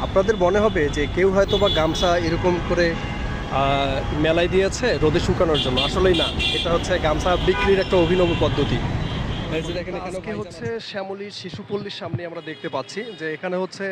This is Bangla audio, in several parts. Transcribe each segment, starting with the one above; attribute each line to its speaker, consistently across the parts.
Speaker 1: আপনাদের মনে হবে যে কেউ হয়তো বা গামছা এরকম করে মেলায় দিয়েছে রোদে শুকানোর জন্য, আসলেই না। এটা হচ্ছে গামছা বিক্রির একটা অভিনব পদ্ধতি। এই যে দেখেন এখানে আজকে হচ্ছে শ্যামলীর শিশুপল্লীর সামনে আমরা দেখতে পাচ্ছি যে এখানে হচ্ছে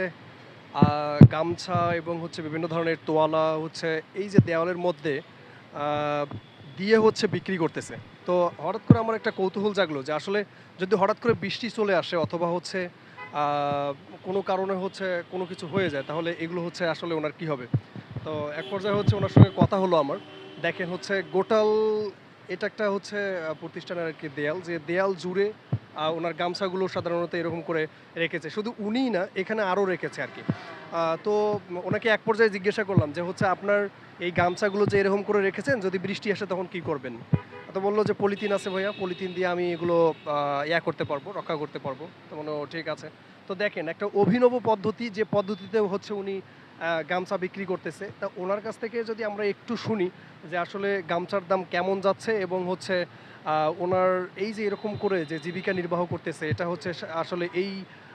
Speaker 1: গামছা এবং হচ্ছে বিভিন্ন ধরনের তোয়ালা হচ্ছে এই যে দেওয়ালের মধ্যে আহ, দিয়ে হচ্ছে বিক্রি করতেছে। তো হঠাৎ করে আমার একটা কৌতূহল জাগলো যে আসলে যদি হঠাৎ করে বৃষ্টি চলে আসে অথবা হচ্ছে আহ, কোনো কারণে হচ্ছে কোনো কিছু হয়ে যায়, তাহলে এগুলো হচ্ছে আসলে ওনার কি হবে। তো এক পর্যায়ে হচ্ছে ওনার সঙ্গে কথা হলো আমার। দেখেন হচ্ছে গোটাল এটা একটা হচ্ছে প্রতিষ্ঠানের আর কি দেয়াল, যে দেয়াল জুড়ে ওনার গামছাগুলো সাধারণত এরকম করে রেখেছে। শুধু উনিই না, এখানে আরও রেখেছে আর কি। তো ওনাকে এক পর্যায়ে জিজ্ঞাসা করলাম যে হচ্ছে আপনার এই গামছাগুলো যে এরকম করে রেখেছেন, যদি বৃষ্টি আসে তখন কি করবেন। তো বললো যে পলিথিন আছে ভাইয়া, পলিথিন দিয়ে আমি এগুলো করতে পারবো, রক্ষা করতে পারবো। তো মনে ঠিক আছে। তো দেখেন একটা অভিনব পদ্ধতি, যে পদ্ধতিতে হচ্ছে উনি গামছা বিক্রি করতেছে। তা ওনার কাছ থেকে যদি আমরা একটু শুনি যে আসলে গামছার দাম কেমন যাচ্ছে এবং হচ্ছে ওনার এই যে এরকম করে যে জীবিকা নির্বাহ করতেছে, এটা হচ্ছে আসলে এই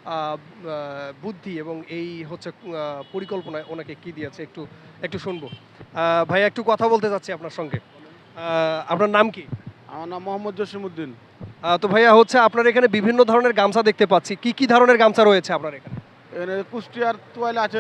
Speaker 1: বুদ্ধি এবং এই হচ্ছে পরিকল্পনায় ওনাকে কি দিয়েছে একটু একটু শুনবো। ভাইয়া একটু কথা বলতে চাচ্ছি আপনার সঙ্গে। আপনার নাম কি?
Speaker 2: আমার নাম মোহাম্মদ জসিমউদ্দিন।
Speaker 1: তো ভাইয়া হচ্ছে আপনার এখানে বিভিন্ন ধরনের গামছা দেখতে পাচ্ছি, কি কি ধরনের গামছা রয়েছে আপনার এখানে?
Speaker 2: এখানে কুষ্টিয়ার তোয়াইল আছে,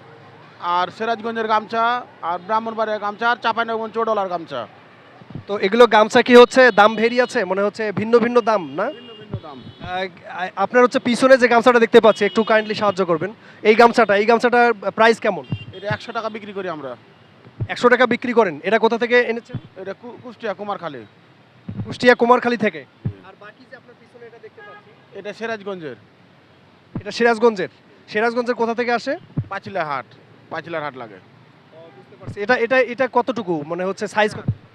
Speaker 2: আর সিরাজগঞ্জের গামছা, আর ব্রাহ্মণবাড়িয়ার গামছা, আর চাঁপাইনবাবগঞ্জ চৌডলার গামছা।
Speaker 1: তো এগুলো গামছা কি হচ্ছে দাম ভেরি আছে, মনে হচ্ছে ভিন্ন ভিন্ন দাম না?
Speaker 2: ভিন্ন ভিন্ন দাম।
Speaker 1: আপনার হচ্ছে পিছনে যে গামছাটা দেখতে পাচ্ছি, একটু কাইন্ডলি সাহায্য করবেন। এই গামছাটার প্রাইস কেমন?
Speaker 2: এটা 100 টাকা বিক্রি করি আমরা।
Speaker 1: 100 টাকা বিক্রি করেন। এটা কোথা থেকে এনেছেন?
Speaker 2: এটা কুষ্টিয়া কুমারখালী।
Speaker 1: কুষ্টিয়া কুমারখালী থেকে। আর বাকি যে আপনার পিছনে এটা দেখতে পাচ্ছি,
Speaker 2: এটা সিরাজগঞ্জের।
Speaker 1: এটা সিরাজগঞ্জের। সিরাজগঞ্জের কোথা থেকে আসে?
Speaker 2: পাঁচিলার হাট লাগে।
Speaker 1: বুঝতে পারছি। এটা এটা এটা কতটুকু মনে হচ্ছে সাইজ?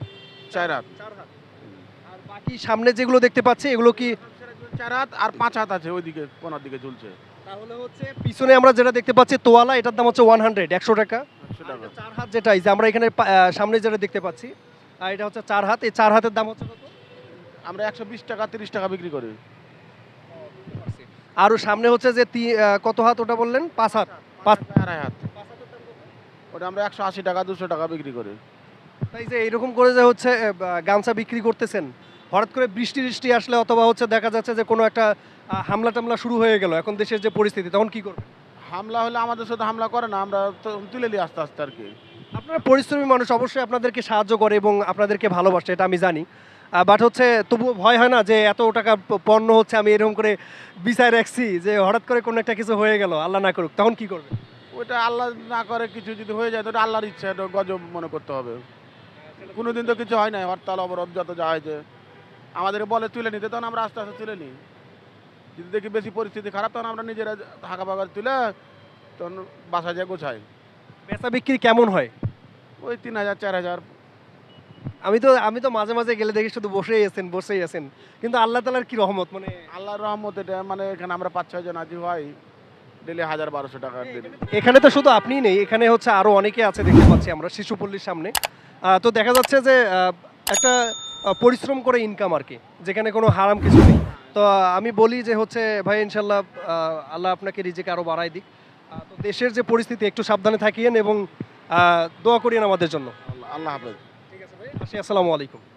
Speaker 2: 4 হাত।
Speaker 1: 4 হাত। আর বাকি সামনে যেগুলো দেখতে পাচ্ছি এগুলো কি?
Speaker 2: সিরাজগঞ্জ 4 হাত আর 5 হাত আছে, ওইদিকে কোনার দিকে ঝুলছে।
Speaker 1: তাহলে হচ্ছে পিছনে আমরা যেটা দেখতে পাচ্ছি তোয়ালা, এটার দাম হচ্ছে 100 টাকা।
Speaker 2: 100 টাকা।
Speaker 1: 4 হাত যেটা এই যে আমরা এখানে সামনে যেটা দেখতে পাচ্ছি, এটা হচ্ছে 4 হাত। এই 4 হাতের দাম হচ্ছে কত?
Speaker 2: আমরা 120 টাকা 30 টাকা বিক্রি করি।
Speaker 1: বুঝতে পারছি। আর সামনে হচ্ছে যে কত হাত ওটা বললেন? 5 হাত। 5
Speaker 2: আড়াই হাত। ওটা আমরা 180 টাকা 200 টাকা বিক্রি করি।
Speaker 1: তাই যে এরকম করে যে হচ্ছে গামছা বিক্রি করতেছেন, হঠাৎ করে বৃষ্টি টিষ্টি আসলে অথবা হচ্ছে দেখা যাচ্ছে যে কোনো একটা হামলা টামলা শুরু হয়ে গেল, এখন দেশের যে পরিস্থিতি, তখন কি করবেন?
Speaker 2: হামলা হলে আমাদের সাথে হামলা করে না, আমরা তুলে নিই আস্তে আস্তে আর কি।
Speaker 1: আপনারা পরিশ্রমী মানুষ, অবশ্যই আপনাদেরকে সাহায্য করে এবং আপনাদেরকে ভালোবাসে, এটা আমি জানি। বাট হচ্ছে তবুও ভয় হয় না যে এত টাকা পণ্য হচ্ছে আমি এরকম করে বিছায় রাখছি, যে হঠাৎ করে কোনো একটা কিছু হয়ে গেল, আল্লাহ না করুক, তখন কি করবেন?
Speaker 2: ওইটা আল্লাহ না করে, কিছু যদি হয়ে যায় তো ওটা আল্লাহর ইচ্ছা, এটা গজব মনে করতে হবে। কোনোদিন তো কিছু হয় না, হরতাল অবরোধ যত যা হয়েছে আমাদেরকে বলে তুলে নিতে, তখন আমরা আস্তে আস্তে তুলে নিই। যদি দেখি বেশি পরিস্থিতি খারাপ, তখন আমরা নিজেরা হাঁকা পাকা তুলে তখন বাসা যায় গোছাই।
Speaker 1: বেচা বিক্রি কেমন হয়?
Speaker 2: ওই 3000 4000।
Speaker 1: আমি তো মাঝে মাঝে গেলে দেখি শুধু বসেই আছেন, কিন্তু আল্লাহ তাআলার কি রহমত, মানে
Speaker 2: আল্লাহর রহমত এটা, মানে এখানে আমরা 5-6 জন আছি ভাই, ডেলি 1000-1200 টাকা দিন।
Speaker 1: এখানে তো শুধু আপনিই নেই, এখানে হচ্ছে আরো অনেকে আছে দেখতে পাচ্ছি আমরা শিশুপল্লীর সামনে। তো দেখা যাচ্ছে যে একটা পরিশ্রম করে ইনকাম আর কি, যেখানে কোনো হারাম কিছু নেই। তো আমি বলি যে হচ্ছে ভাই ইনশাল্লাহ আল্লাহ আপনাকে রিজিক আরো বাড়ায় দিক। তো দেশের যে পরিস্থিতি, একটু সাবধানে থাকিয়েন এবং দোয়া করিয়েন আমাদের জন্য।
Speaker 2: আল্লাহ হাফেজ।
Speaker 1: ঠিক আছে ভাই, আসি, আসসালামু আলাইকুম।